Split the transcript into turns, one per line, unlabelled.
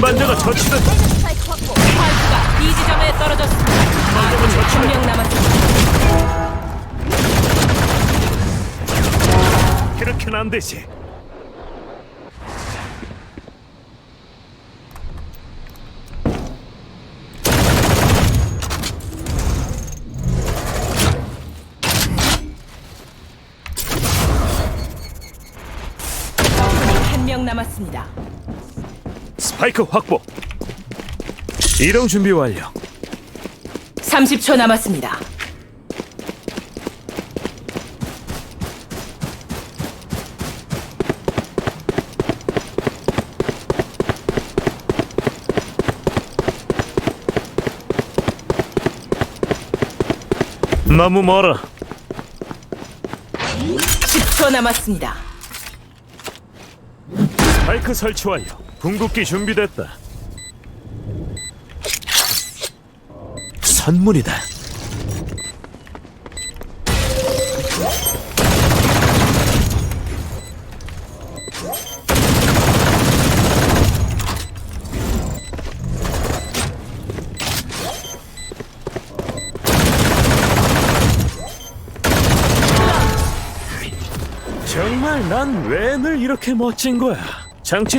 운반자가 처치된.
스파이크 확보.
스파이크가 B 지점에 떨어졌습니다. 아군이 한 명 남았습니다.
그렇게는 안 되지.
적군이 한 명 남았습니다.
스파이크 확보. 이동 준비 완료.
30초 남았습니다.
너무 멀어.
10초 남았습니다.
스파이크 설치 완료. 궁극기 준비됐다. 선물이다. 정말 난 왜 늘 이렇게 멋진 거야? 장치